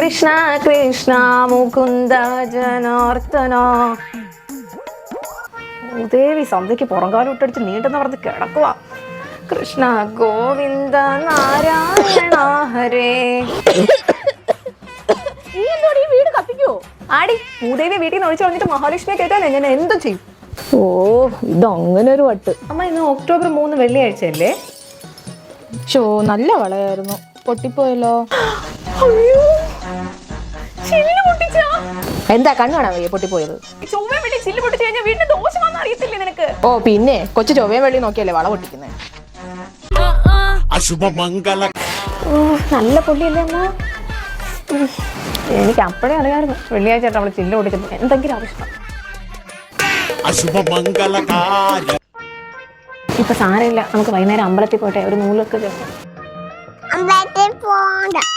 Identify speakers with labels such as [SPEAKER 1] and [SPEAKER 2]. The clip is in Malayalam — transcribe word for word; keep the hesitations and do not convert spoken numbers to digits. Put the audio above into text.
[SPEAKER 1] കൃഷ്ണ കൃഷ്ണ മുകുന്ദ ജനാർദ്ദന. ദേവി സന്ധ്യക്ക് പുറംകാലം ഇട്ടടിച്ച് നീണ്ടെന്ന് പറഞ്ഞ് കിടക്കുക. കൃഷ്ണ ഗോവിന്ദ നാരായണ ഹരേ.
[SPEAKER 2] നീ എന്തോടി ഈ വീട് കത്തിക്കോ?
[SPEAKER 1] ആടി ഭൂദേവി വീട്ടിൽ നിന്ന് ഒഴിച്ചു കളഞ്ഞിട്ട് മഹാലക്ഷ്മിയെ കേട്ടാ ഞാൻ എന്തും ചെയ്യും.
[SPEAKER 2] ഓ ഇത് അങ്ങനെ ഒരു വട്ട്.
[SPEAKER 1] അമ്മ ഇന്ന് ഒക്ടോബർ മൂന്ന് വെള്ളിയാഴ്ച അല്ലേ?
[SPEAKER 2] ഷോ നല്ല വളയായിരുന്നു, പൊട്ടിപ്പോയല്ലോ.
[SPEAKER 1] അയ്യോ ചില്ല് പൊട്ടിച്ചാ?
[SPEAKER 2] എന്താ കണ്ണാണോ വയ്യ പൊട്ടിപ്പോയത്?
[SPEAKER 1] ചൊവ്വ വെള്ളി ചില്ല് പൊട്ടിച്ചു കഴിഞ്ഞാൽ വീടിന്റെ ദോഷം വന്ന് അറിയത്തില്ലേ നിനക്ക്?
[SPEAKER 2] ഓ പിന്നെ കൊച്ചു ചൊവ്വയും വെള്ളി നോക്കിയല്ലേ വള പൊട്ടിക്കുന്നേ.
[SPEAKER 3] അശുഭമംഗല.
[SPEAKER 1] നല്ല പൊള്ളിയല്ലേ അമ്മ? എനിക്ക് അപ്പോഴേ അറിയാമായിരുന്നു വെള്ളിയാഴ്ച ആയിട്ട് അവള് ചില്ല് പൊട്ടിച്ചത്. എന്തെങ്കിലും ആവശ്യം
[SPEAKER 3] അശുഭമംഗലകാരി.
[SPEAKER 1] ഇപ്പൊ സാരമില്ല, നമുക്ക് വൈകുന്നേരം അമ്പലത്തിൽ പോട്ടെ, ഒരു നൂലൊക്കെ ചേർക്കാം.
[SPEAKER 4] അമ്പലത്തിൽ പോണ്ട.